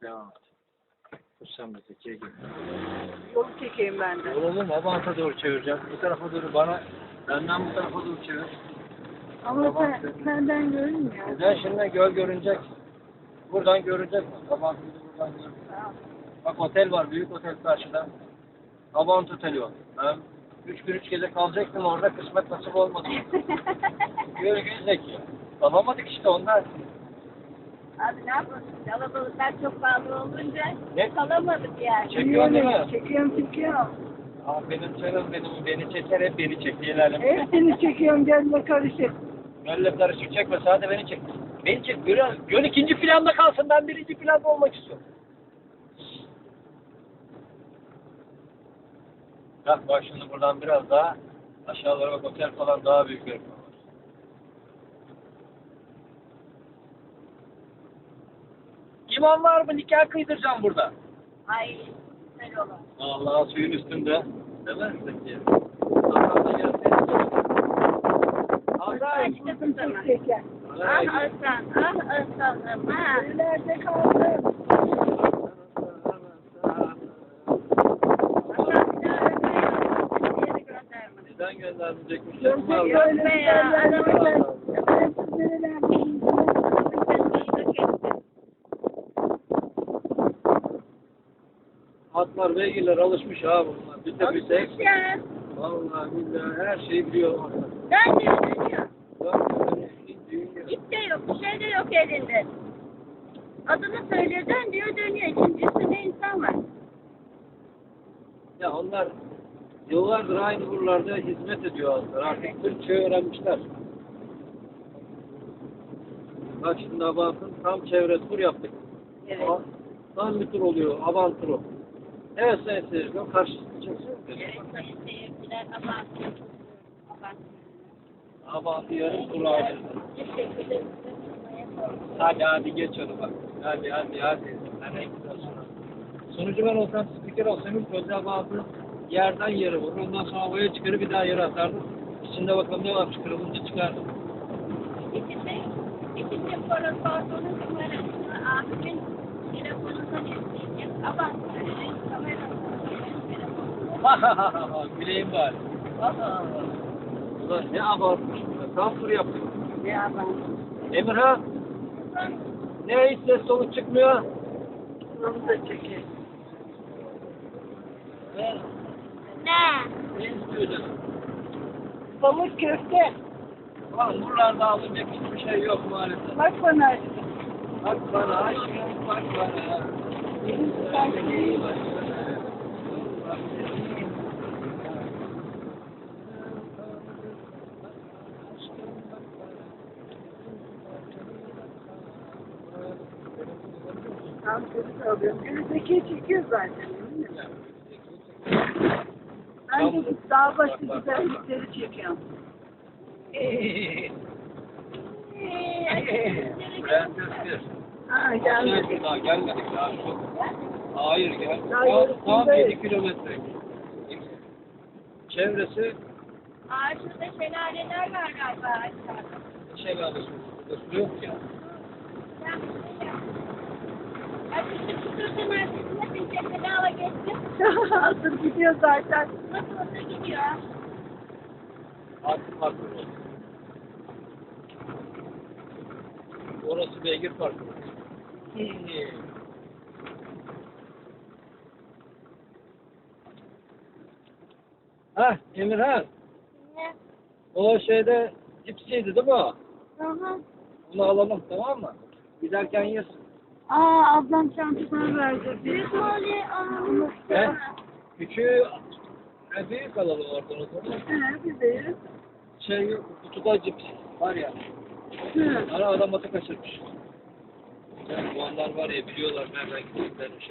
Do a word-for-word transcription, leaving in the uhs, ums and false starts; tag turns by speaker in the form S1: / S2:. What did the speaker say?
S1: Devam et. Kursam da tekiye gibi.
S2: Yolu çekeyim ben de.
S1: Oğlum Abant'a doğru çevireceğim. Bu tarafa doğru bana, benden bu tarafa doğru çevir.
S2: Ama sen, senden görünmüyor.
S1: Güzel, şimdi göl görünecek. Buradan görünecek. Abant'ı buradan görünecek. Bak otel var, büyük otel karşıda. Abant Oteli o. Ben üç gün üç gece kalacaktım orada, kısmet nasip olmadı. Görgün zeki. Kalamadık işte ondan.
S3: Abi ne yapalım? Kalabalıklar çok pahalı olunca
S1: Ne?
S3: kalamadık yani.
S1: Çekiyor değil mi?
S2: Çekiyorum çekiyorum.
S1: Aa, benim canım benim, beni çeker hep beni çek diyelim.
S2: Evet seni çekiyorum gelme karışık.
S1: Gölle karışık çekme, sadece beni çek. Beni çek, göl, göl ikinci planda kalsın, ben birinci planda olmak istiyorum. Bak bak şimdi buradan biraz daha aşağılara bak, otel falan daha büyük bir var. İmam var mı? Nikah kıydıracağım burada.
S3: Ay güzel olur.
S1: Allah suyun üstünde. Değil mi? Peki. Hakan da gelsene. Hakan.
S3: İşte bu zaman.
S2: Çeker.
S3: Ah Aslan, ah Aslan'ım ha.
S2: Nerede kaldı?
S3: Aslan bir daha öpmeyin. Yeri gönderme.
S1: Neden göndermeyecekmiş?
S2: Yok
S1: Var.
S2: yok
S3: be ya, adamı
S2: ben. Ben siz nerelerdeyim?
S1: Atlar, beygirler alışmış ha bunlar. Bir de bir tek.
S3: Alışmış ya.
S1: Vallahi billahi her şeyi biliyor onlar.
S3: Ben diyor, dönüyor.
S1: Dünya.
S3: İp de yok, bir şey de yok elinde. Adını söylüyor, dön diyor, dönüyor. İkincisinde insan var.
S1: Ya onlar yıllardır aynı buralarda hizmet ediyor atlar. Artık Türkçe öğrenmişler. Bak şimdi Abant'ın tam çevre tur yaptık.
S3: Evet.
S1: Ama tam bir tur oluyor. Abant turu. Evet sayın seyirciler, karşı çıkacaksın.
S3: Evet, sayın seyirciler, abartıyor. Abartıyor.
S1: Abant'ı yarım tur aldı.
S3: Teşekkür ederim.
S1: Hadi hadi geç onu bak. Hadi hadi hadi. Nereye gidiyorsun? Sonucu ben olsam, spiker olsam ilk önce Abant'ı yerden yere vurur. Ondan sonra havaya çıkarıp bir daha yere atardım. İçinde bakalım ne varmış, kırılınca çıkardım.
S3: İkisi, ikisi pardonun numarasını abimin telefonundan isteyeceğim. Abartıyor. Kamera.
S1: Güleyim bari. Ulan ne abartmış burada. Tam tur yaptık.
S2: Ne yapalım?
S1: Emirhan, ne hiç ses soluk çıkmıyor?
S2: Onu da çekeyim.
S1: Ne?
S3: Ne?
S1: Ne istiyorsun?
S2: Balık köfte.
S1: Ulan buralarda alınacak hiçbir şey yok maalesef.
S2: Bak bana.
S1: Bak bana aşkım, bak bana.
S2: Tam çocuk alıyorum. Önündeki çekiyor zaten. Değil mi? Ben de dağ başı güzellikleri çekiyorum.
S1: Bülent Özgür.
S2: Ha
S1: Gelmedik.
S2: gelmedik.
S1: Daha gelmedik daha çok. Hayır gel.
S2: Daha
S1: Tam,
S2: yarısındayız.
S1: tam yedi kilometre. Çevresi
S3: Aa, şurada şelaleler var galiba aşağıda.
S1: şelalesi. Burada su yok ya.
S3: Ben bir şey yap. Hadi işte tutursun arkasına bir şey bedava geçsin.
S2: Hazır gidiyor zaten.
S3: Nasıl olsa gidiyor.
S1: Artık farklı oldu. Orası beygir farklı. Hah Emirhan.
S3: Ne?
S1: O şeyde cipsiydi değil mi o?
S3: Hı hı.
S1: Bunu alalım tamam mı? Giderken yersin.
S2: Aa ablam çantasını verdi.
S3: Büyük mü oluyor? Aa,
S1: He? Küçüğü he, büyük alalım oradan o zaman.
S2: He bizeyiz.
S1: Şey yok, kutuda cips var ya.
S2: Hı.
S1: Ara adam atı kaçırmış. Yani bu anlar var ya biliyorlar nereden gittiklerini.